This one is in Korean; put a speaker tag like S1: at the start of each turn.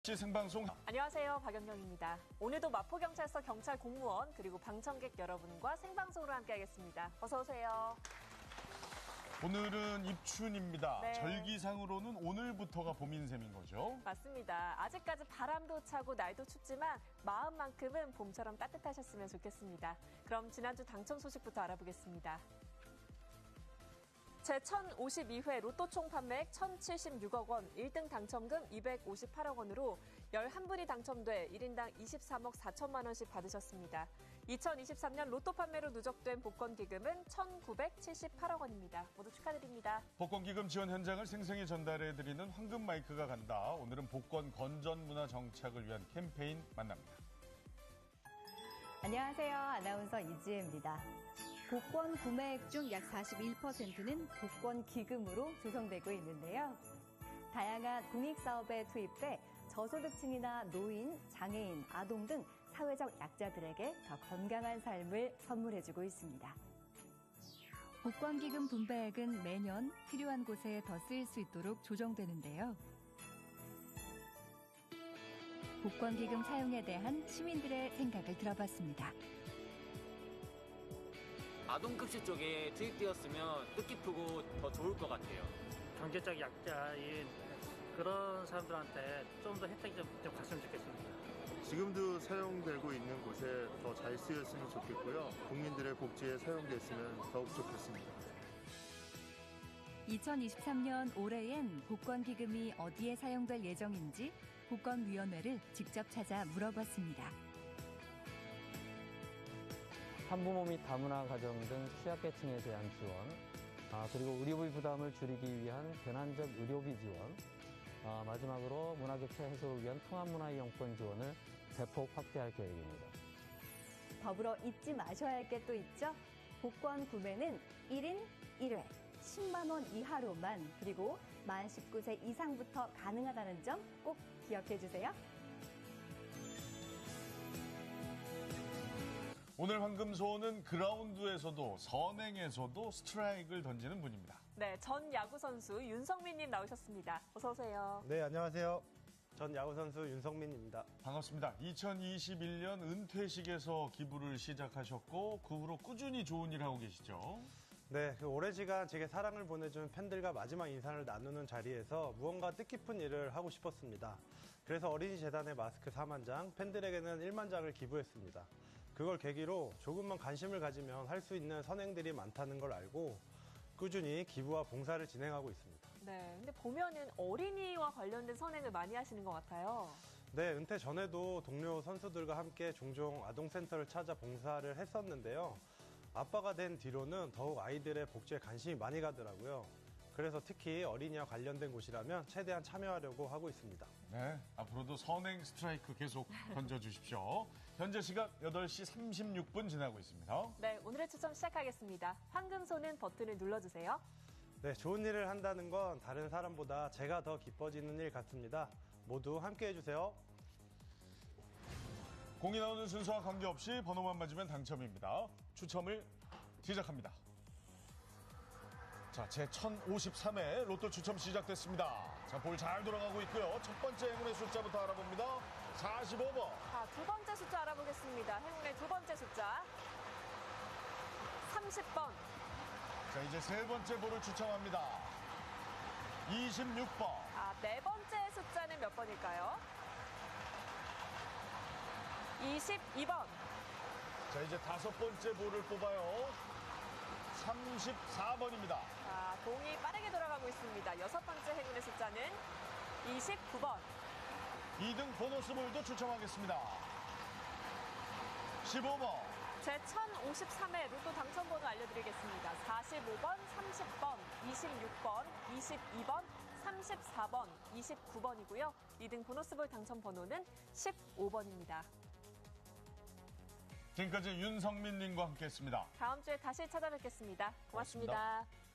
S1: 생방송.
S2: 안녕하세요. 박연경입니다. 오늘도 마포경찰서 경찰 공무원 그리고 방청객 여러분과 생방송으로 함께하겠습니다. 어서 오세요.
S1: 오늘은 입춘입니다.
S2: 네.
S1: 절기상으로는 오늘부터가 봄인 셈인 거죠?
S2: 맞습니다. 아직까지 바람도 차고 날도 춥지만 마음만큼은 봄처럼 따뜻하셨으면 좋겠습니다. 그럼 지난주 당첨 소식부터 알아보겠습니다. 제1052회 로또 총 판매액 1,076억 원, 1등 당첨금 258억 원으로 11분이 당첨돼 1인당 23억 4천만 원씩 받으셨습니다. 2023년 로또 판매로 누적된 복권 기금은 1,978억 원입니다. 모두 축하드립니다.
S1: 복권 기금 지원 현장을 생생히 전달해드리는 황금 마이크가 간다. 오늘은 복권 건전 문화 정착을 위한 캠페인 만납니다.
S3: 안녕하세요. 아나운서 이지혜입니다. 복권 구매액 중 약 41%는 복권 기금으로 조성되고 있는데요. 다양한 공익사업에 투입돼 저소득층이나 노인, 장애인, 아동 등 사회적 약자들에게 더 건강한 삶을 선물해주고 있습니다. 복권 기금 분배액은 매년 필요한 곳에 더 쓰일 수 있도록 조정되는데요. 복권 기금 사용에 대한 시민들의 생각을 들어봤습니다.
S4: 아동급식 쪽에 투입되었으면 뜻깊고 더 좋을 것 같아요.
S5: 경제적 약자인 그런 사람들한테 좀 더 혜택이 좀 갔으면 좋겠습니다.
S6: 지금도 사용되고 있는 곳에 더 잘 쓰였으면 좋겠고요. 국민들의 복지에 사용됐으면 더욱 좋겠습니다.
S3: 2023년 올해엔 복권 기금이 어디에 사용될 예정인지 복권위원회를 직접 찾아 물어봤습니다.
S7: 한부모 및 다문화 가정 등 취약계층에 대한 지원, 그리고 의료비 부담을 줄이기 위한 변환적 의료비 지원, 마지막으로 문화격차 해소를 위한 통합문화이용권 지원을 대폭 확대할 계획입니다.
S3: 더불어 잊지 마셔야 할 게 또 있죠. 복권 구매는 1인 1회 10만 원 이하로만, 그리고 만 19세 이상부터 가능하다는 점 꼭 기억해 주세요.
S1: 오늘 황금소원은 그라운드에서도 선행에서도 스트라이크를 던지는 분입니다.
S2: 네, 전 야구선수 윤성민님 나오셨습니다. 어서 오세요.
S8: 네, 안녕하세요. 전 야구선수 윤성민입니다.
S1: 반갑습니다. 2021년 은퇴식에서 기부를 시작하셨고 그 후로 꾸준히 좋은 일 하고 계시죠?
S8: 네, 오랜 시간 제게 사랑을 보내준 팬들과 마지막 인사를 나누는 자리에서 무언가 뜻깊은 일을 하고 싶었습니다. 그래서 어린이 재단에 마스크 4만 장, 팬들에게는 1만 장을 기부했습니다. 그걸 계기로 조금만 관심을 가지면 할 수 있는 선행들이 많다는 걸 알고 꾸준히 기부와 봉사를 진행하고 있습니다.
S2: 네, 근데 보면은 어린이와 관련된 선행을 많이 하시는 것 같아요.
S8: 네, 은퇴 전에도 동료 선수들과 함께 종종 아동센터를 찾아 봉사를 했었는데요. 아빠가 된 뒤로는 더욱 아이들의 복지에 관심이 많이 가더라고요. 그래서 특히 어린이와 관련된 곳이라면 최대한 참여하려고 하고 있습니다.
S1: 네, 앞으로도 선행 스트라이크 계속 던져주십시오. 현재 시각 8시 36분 지나고 있습니다.
S2: 네, 오늘의 추첨 시작하겠습니다. 황금손은 버튼을 눌러주세요.
S8: 네, 좋은 일을 한다는 건 다른 사람보다 제가 더 기뻐지는 일 같습니다. 모두 함께 해주세요.
S1: 공이 나오는 순서와 관계없이 번호만 맞으면 당첨입니다. 추첨을 시작합니다. 자, 제1053회 로또 추첨 시작됐습니다. 자, 볼 잘 돌아가고 있고요. 첫 번째 행운의 숫자부터 알아봅니다. 45번.
S2: 자, 두 번째 숫자 알아보겠습니다. 행운의 두 번째 숫자. 30번.
S1: 자, 이제 세 번째 볼을 추첨합니다. 26번.
S2: 네 번째 숫자는 몇 번일까요? 22번.
S1: 자, 이제 다섯 번째 볼을 뽑아요. 34번입니다.
S2: 자, 공이 빠르게 돌아가고 있습니다. 여섯 번째 행운의 숫자는 29번.
S1: 2등 보너스 볼도 추첨하겠습니다. 15번.
S2: 제1053회 로또 당첨번호 알려드리겠습니다. 45번, 30번, 26번, 22번, 34번, 29번이고요. 2등 보너스볼 당첨번호는 15번입니다.
S1: 지금까지 윤성민님과 함께했습니다.
S2: 다음 주에 다시 찾아뵙겠습니다. 고맙습니다.